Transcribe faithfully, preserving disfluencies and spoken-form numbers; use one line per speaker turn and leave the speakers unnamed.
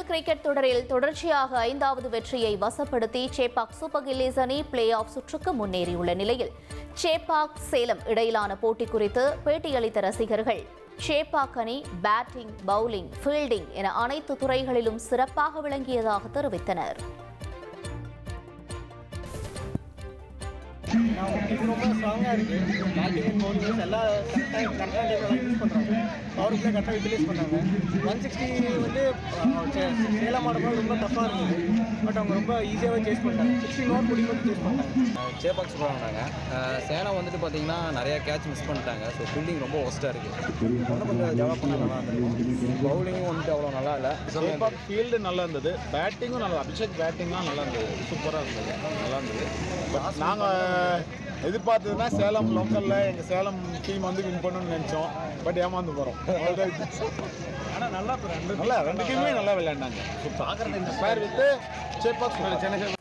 Cricket தொடரில் தொடர்ச்சியாக ஐந்தாவது வெற்றியை வசப்படுத்தி சேப்பாக் சூப்பர் கில்லிஸ் அணி பிளே ஆஃப் சுற்றுக்கு முன்னேறியுள்ள நிலையில் சேப்பாக் சேலம் இடையிலான போட்டி குறித்து பேட்டியளித்த ரசிகர்கள் சேப்பாக் அணி பேட்டிங், பவுலிங், ஃபீல்டிங் என அனைத்து துறைகளிலும் சிறப்பாக விளங்கியதாக தெரிவித்தனர்.
ரொம்ப ஸ்ட்ராங்காக இருக்குது. பேட்டிங் அண்ட் பவுலிங் எல்லாம் கரெக்டாக கரெக்டான டைமில் யூஸ் பண்ணுறாங்க. பவர் பிளே கரெக்டாக யூட்டிலைஸ் பண்ணாங்க. ஒன் சிக்ஸ்டி வந்து சேலம் ஆடும்போது ரொம்ப டஃப்பாக இருந்தது. பட் அவங்க ரொம்ப ஈஸியாகவே சேஸ் பண்ணிட்டாங்க. சிக்ஸ்டி ஓவர் முடிக்கும் சேஸ் பண்ணிட்டாங்க.
சேப்பாக் சூப்பராக ஆனாங்க. சேலம் வந்துட்டு பார்த்தீங்கன்னா நிறையா கேட்ச் மிஸ் பண்ணிட்டாங்க. ஸோ ஃபீல்டிங் ரொம்ப ஒஸ்ட்டாக இருக்குது. இன்னும் கொஞ்சம் டெவலப் பண்ணால் நல்லா இருந்திருக்கும். பவுலிங்கும் வந்துட்டு அவ்வளோ நல்லா இல்லை.
சேப்பாக் ஃபீல்டு நல்லா இருந்தது. பேட்டிங்கும் நல்லா, அபிஷேக் பேட்டிங்லாம் நல்லா இருந்தது. சூப்பராக இருந்தது, நல்லா இருந்தது. பட் நாங்கள் எதிர்பார்த்ததுன்னா சேலம் லோக்கலில் எங்கள் சேலம் டீம் வந்து வின் பண்ணணும்னு நினச்சோம். பட் ஏமாந்து போகிறோம்.
ஆனால் நல்லா ரெண்டு
நல்லா ரெண்டு டீமுமே நல்லா விளையாண்டாங்க. ஸோ பார்க்குறது இந்த பேர் வித்து சேப்பாக் சென்னை